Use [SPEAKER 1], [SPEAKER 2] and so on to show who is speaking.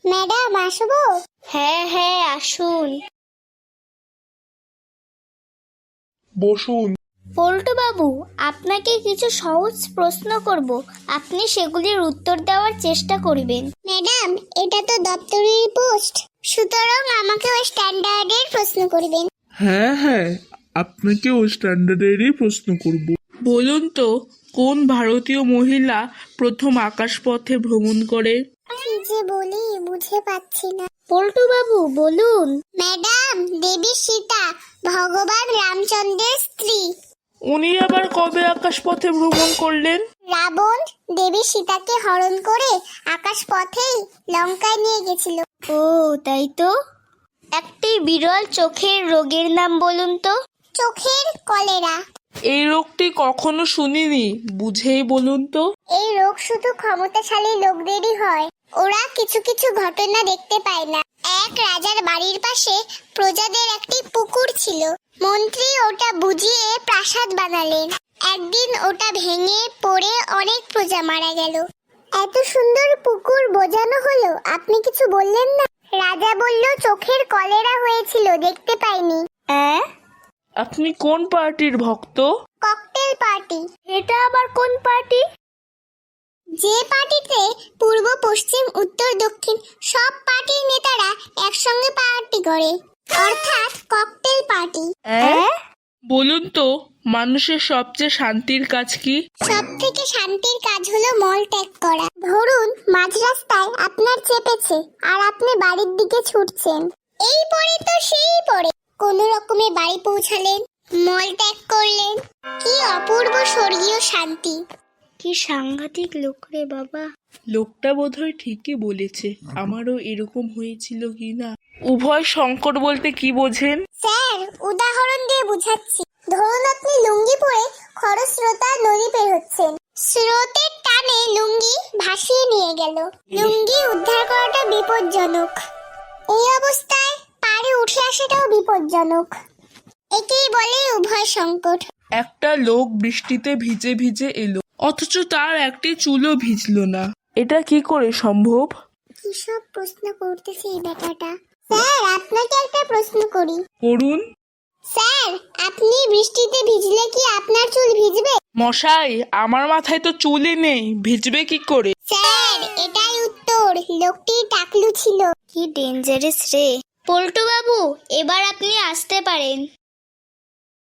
[SPEAKER 1] Madam আসবো?
[SPEAKER 2] হ্যাঁ হ্যাঁ আসুন।
[SPEAKER 3] বসুন।
[SPEAKER 2] পল্টু বাবু, আপনাকে কিছু সহজ প্রশ্ন করব, আপনি সেগুলির উত্তর দেওয়ার চেষ্টা করবেন।
[SPEAKER 1] ম্যাডাম, এটা তো দপ্তরের পোস্ট, সুতরাং আমাকে ওই স্ট্যান্ডার্ডের প্রশ্ন করবেন।
[SPEAKER 3] হ্যাঁ হ্যাঁ, আপনাকেও স্ট্যান্ডার্ডেরই প্রশ্ন করব। বলুন তো, কোন ভারতীয় মহিলা প্রথম আকাশপথে ভ্রমণ করে?
[SPEAKER 1] কি যে বলি বুঝে পাচ্ছি না।
[SPEAKER 2] পল্টু বাবু বলুন।
[SPEAKER 1] ম্যাডাম, দেবী সীতা, ভগবান রামচন্দ্রের স্ত্রী।
[SPEAKER 3] উনি আবার কবে আকাশপথে ভ্রমণ করলেন?
[SPEAKER 1] রাবণ দেবী সীতাকে হরণ করে আকাশ পথেই লঙ্কায় নিয়ে গেছিল।
[SPEAKER 2] ও তাই তো। একটি বিরল চোখের রোগের নাম বলুন তো।
[SPEAKER 1] চোখের কলেরা।
[SPEAKER 3] এই রোগটি কখনো শুনিনি, বুঝেই বলুন তো।
[SPEAKER 1] এই রোগ শুধু ক্ষমতাশালী লোকদেরই হয়, ওরা কিছু কিছু ঘটনা দেখতে পায় না। এক রাজার বাড়ির পাশে প্রজাদের একটি পুকুর ছিল। মন্ত্রী ওটা বুঝিয়ে প্রাসাদ বানালেন। একদিন ওটা ভেঙে পড়ে অনেক প্রজা মারা গেল। এত সুন্দর পুকুর বোঝানো হলো, আপনি কিছু বললেন না। রাজা বলল চোখের কলেরা হয়েছিল, দেখতে পাইনি।
[SPEAKER 3] আপনি কোন পার্টির ভক্ত?
[SPEAKER 1] Cocktail party.
[SPEAKER 2] এটা আবার কোন পার্টি?
[SPEAKER 1] যে পার্টিতে পূর্ব পশ্চিম উত্তর দক্ষিণ সব পার্টির নেতারা একসঙ্গে পার্টি করে, অর্থাৎ ককটেল পার্টি।
[SPEAKER 3] বলুন তো, মানুষের সবচেয়ে শান্তির কাজ কি?
[SPEAKER 1] সব থেকে শান্তির কাজ হলো মল ত্যাগ করা। ধরুন মাঝ রাস্তায় আপনার চেপেছে আর আপনি বাড়ির দিকে ছুটছেন। এই পরে তো সেই পরে কোন রকমে বাড়ি পৌঁছালেন, মল ত্যাগ করলেন। কি অপূর্ব স্বর্গীয় শান্তি।
[SPEAKER 2] কি সাংঘাতিক লোক রে বাবা।
[SPEAKER 3] লোকটা বোধহয় ঠিকই বলেছে, আমারও এরকম হয়েছিল কি না। উভয় সংকট বলতে কি বোঝেন?
[SPEAKER 1] স্যার, উদাহরণ দিয়ে বুঝাচ্ছি। ধরুন আপনি লুঙ্গি পরে খরস্রোতা নদী পের হচ্ছেন। স্রোতের টানে লুঙ্গি ভাসিয়ে নিয়ে গেল। লুঙ্গি উদ্ধার করাটা বিপজ্জনক। এই অবস্থায় পাড়ে উঠে আসাটাও বিপজ্জনক। একেই বলে উভয় সংকট।
[SPEAKER 3] একটা লোক বৃষ্টিতে ভিজে ভিজে এলো, অথচ তার একটি চুলও ভিজলো না। এটা কি করে সম্ভব?
[SPEAKER 1] কি সব প্রশ্ন করতেছে এই ব্যাটাটা। স্যার, আপনাকে একটা প্রশ্ন করি।
[SPEAKER 3] করুন।
[SPEAKER 1] স্যার, আপনি বৃষ্টিতে ভিজলে কি আপনার চুল ভিজবে?
[SPEAKER 3] মশাই, আমার মাথায় তো চুলই নেই, ভিজবে কি করে?
[SPEAKER 1] স্যার, এটাই উত্তর। লোকটি টাকলু ছিল।
[SPEAKER 2] কি ডেঞ্জারাস রে। পল্টু বাবু, এবার আপনি আসতে পারেন।